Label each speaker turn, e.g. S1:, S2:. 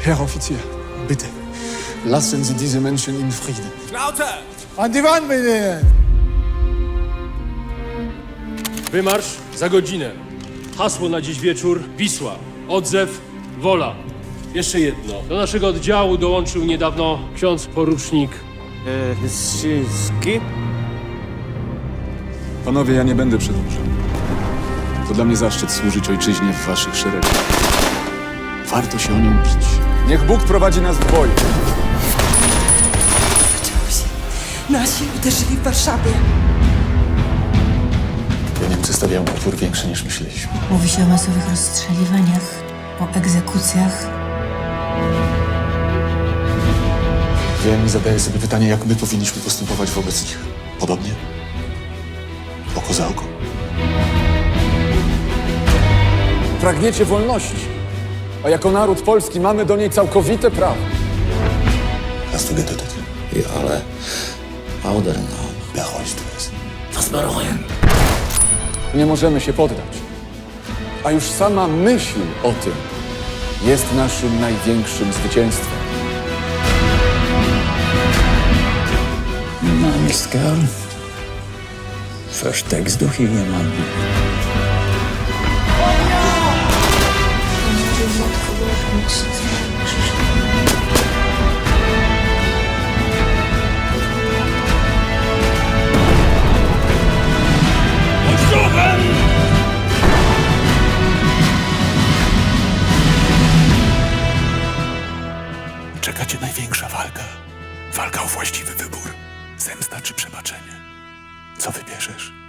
S1: Herr Offizier, bitte, lassen Sie diese Menschen in Frieden.
S2: Schnauze!
S3: An die Wand mit denen!
S4: Wymarsz za godzinę. Hasło na dziś wieczór: Wisła. Odzew, wola. Jeszcze jedno. Do naszego oddziału dołączył niedawno ksiądz porucznik.
S2: Strzyski?
S1: Panowie, ja nie będę przedłużał. To dla mnie zaszczyt służyć ojczyźnie w waszych szeregach. Warto się o nią bić. Niech Bóg prowadzi nas w boju.
S5: Zaczęło się. Nasi uderzyli w Warszawie.
S1: Niemcy stawiają opór większy niż myśleliśmy.
S6: Mówi się o masowych rozstrzeliwaniach, o egzekucjach.
S1: Wiem i zadaję sobie pytanie, jak my powinniśmy postępować wobec nich. Podobnie? Oko za oko. Pragniecie wolności, a jako naród polski mamy do niej całkowite prawo. Hast du getötet?
S7: Ja, ale Audernaum.
S1: Bereust du es?
S7: Was bereuen?
S1: Nie możemy się poddać. A już sama myśl o tym jest naszym największym zwycięstwem.
S7: Mein Name ist Karl. Versteckst du hier jemanden?
S1: Czeka cię największa walka. Walka o właściwy wybór. Zemsta czy przebaczenie. Co wybierzesz?